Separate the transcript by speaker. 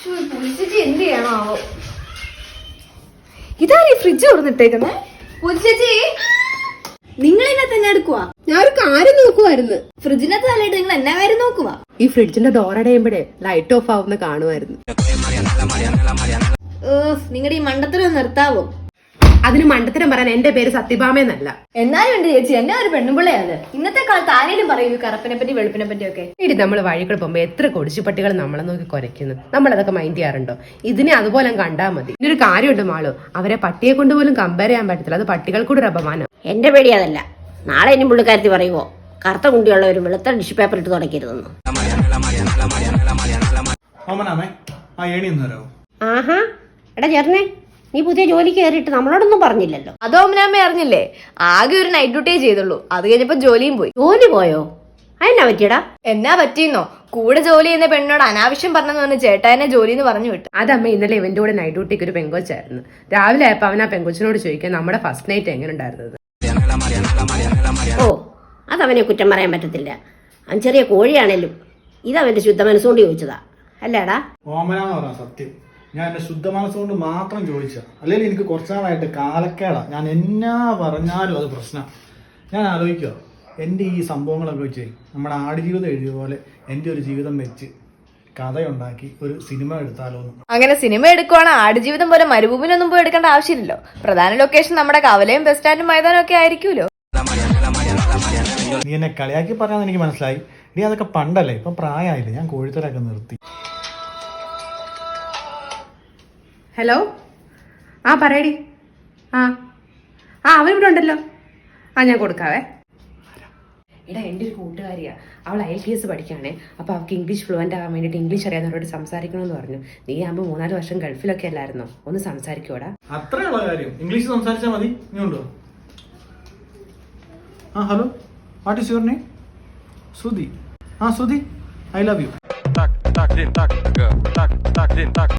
Speaker 1: എന്ത് ചെയ്യണോ? ഇതാരീ ഫ്രിഡ്ജ് തുറന്നിട്ടേക്കുന്നേ? ചേച്ചി നിങ്ങളിന്നെ തന്നെ എടുക്കുവാ?
Speaker 2: ഞാൻ ഒരു കാര്യം നോക്കുവായിരുന്നു.
Speaker 1: ഫ്രിഡ്ജിനകത്ത് തലയിട്ട് നിങ്ങൾ എന്നാ കാര്യം നോക്കുവാ?
Speaker 2: ഈ ഫ്രിഡ്ജിന്റെ ഡോർ അടയുമ്പോഴേ ലൈറ്റ് ഓഫ് ആവുന്ന കാണുമായിരുന്നു.
Speaker 1: നിങ്ങളുടെ ഈ മണ്ടത്തരം നിർത്താവോ?
Speaker 2: അതിന് മണ്ടത്തരം പറയാൻ എന്റെ പേര് സത്യഭാമയെന്നല്ല.
Speaker 1: എന്നാലും ഉണ്ട് ചേച്ചി, എന്നെ ഒരു പെണ്ണുപിള്ളയാണ്. ഇന്നത്തെ കാലത്ത് ആരെങ്കിലും പറയൂ കറുപ്പിനെ പറ്റി വെളുപ്പിനെ പറ്റി ഒക്കെ.
Speaker 2: ഇടി നമ്മൾ വഴികൾ പോകുമ്പോ എത്ര കൊടിച്ചുപട്ടികൾ നമ്മളെ നോക്കി കുരയ്ക്കുന്നു. നമ്മളതൊക്കെ മൈൻഡ് ചെയ്യാറുണ്ടോ? ഇതിനെ അതുപോലെ കണ്ടാൽ മതി. ഇതിനൊരു കാര്യമുണ്ട് മാളു, അവരെ പട്ടിയെ കൊണ്ട് പോലും കമ്പയർ ചെയ്യാൻ പറ്റത്തില്ല. അത് പട്ടികൾക്കൂടെ ഒരു അപമാനം.
Speaker 3: എന്റെ പേടി അതല്ല. നാളെ ഇനി പുള്ളിക്കാരത്തി പറയുമോ കറുത്ത കുണ്ടിയുള്ള ഒരു വെളുത്ത ടിഷ്യൂ പേപ്പർ ഇട്ട് തുടക്കരുതെന്ന്. ആഹാ എടാ ചേർന്നേ, നീ പുതിയ ജോലി കയറിയിട്ട് നമ്മളോടൊന്നും പറഞ്ഞില്ലല്ലോ.
Speaker 1: അതോ അമ്മ അറിഞ്ഞില്ലേ? ആകെ ഒരു നൈറ്റ് ഡ്യൂട്ടിയേ ചെയ്തുള്ളൂ. അത് കഴിഞ്ഞപ്പോ ജോലിയും പോയി.
Speaker 3: ജോലി പോയോ? അതെന്നാ പറ്റിയടാ?
Speaker 1: എന്നാ പറ്റിയെന്നോ? കൂടെ ജോലി ചെയ്യുന്ന പെണ്ണോട് അനാവശ്യം പറഞ്ഞെന്ന് പറഞ്ഞ് ചേട്ടാനെ ജോലി എന്ന് പറഞ്ഞു വിട്ടു.
Speaker 2: അതമ്മ ഇന്നലെ ഇവന്റെ കൂടെ നൈറ്റ് ഡ്യൂട്ടിക്ക് ഒരു പെങ്കൊച്ചായിരുന്നു. രാവിലെ ആയപ്പോ അവൻ ആ പെങ്കൊച്ചിനോട് ചോദിക്കാൻ നമ്മുടെ ഫസ്റ്റ് നൈറ്റ് എങ്ങനെ ഉണ്ടായിരുന്നത്.
Speaker 3: ഓ അതവനെ കുറ്റം പറയാൻ പറ്റത്തില്ല. അവൻ ചെറിയ കോഴിയാണേലും ഇതവന്റെ ശുദ്ധ മനസ്സുകൊണ്ട് ചോദിച്ചതാ അല്ലേടാ?
Speaker 4: ഓമനാന്ന് പറയാം സത്യം. ഞാൻ എന്റെ ശുദ്ധ മനസ്സുകൊണ്ട് മാത്രം ചോദിച്ച, അല്ലെങ്കിൽ എനിക്ക് കുറച്ചു നാളായിട്ട് കാലക്കേടാ. ഞാൻ എന്നാ പറഞ്ഞാലും അത് പ്രശ്നം. ഞാൻ ആലോചിക്കുക, എൻ്റെ ഈ സംഭവങ്ങളൊക്കെ വെച്ച് നമ്മുടെ ആടുജീവിതം എഴുതിയ പോലെ എൻ്റെ ഒരു ജീവിതം വെച്ച് കഥയുണ്ടാക്കി ഒരു സിനിമ എടുത്താലോ എന്ന്.
Speaker 1: അങ്ങനെ സിനിമ എടുക്കുവാണ് ആടുജീവിതം പോലെ മരുഭൂമിനൊന്നും പോയി എടുക്കേണ്ട ആവശ്യമില്ലല്ലോ. പ്രധാന ലൊക്കേഷൻ നമ്മുടെ കവലയും ബസ് സ്റ്റാൻഡും മൈതാനം ഒക്കെ ആയിരിക്കുമല്ലോ.
Speaker 4: നീ എന്നെ കളിയാക്കി പറയാന്ന് എനിക്ക് മനസ്സിലായി. നീ അതൊക്കെ പണ്ടല്ലേ, ഇപ്പൊ പ്രായമായില്ലേ. ഞാൻ കോഴിത്തരൊക്കെ നിർത്തി.
Speaker 2: ഹലോ, ആ പറയടി. ആ അവനിവിടെ ഉണ്ടല്ലോ. ഞാൻ കൊടുക്കാവേ. എടാ എൻ്റെ ഒരു കൂട്ടുകാരിയാ, അവൾ IELTS പഠിക്കുകയാണേ. അപ്പോൾ അവൾക്ക് ഇംഗ്ലീഷ് ഫ്ലുവൻ്റ് ആകാൻ വേണ്ടിയിട്ട് ഇംഗ്ലീഷ് അറിയാവുന്നവരോട് സംസാരിക്കണമെന്ന് പറഞ്ഞു. നീ ആകുമ്പോൾ 3-4 വർഷം ഗൾഫിലൊക്കെ അല്ലായിരുന്നോ? ഒന്ന് സംസാരിക്കൂടാ.
Speaker 4: അത്രയുള്ള കാര്യം, ഇംഗ്ലീഷ് സംസാരിച്ചാൽ മതി. നീ ഉണ്ടോ? Hello, what is your name? Shruti. Shruti, I love U.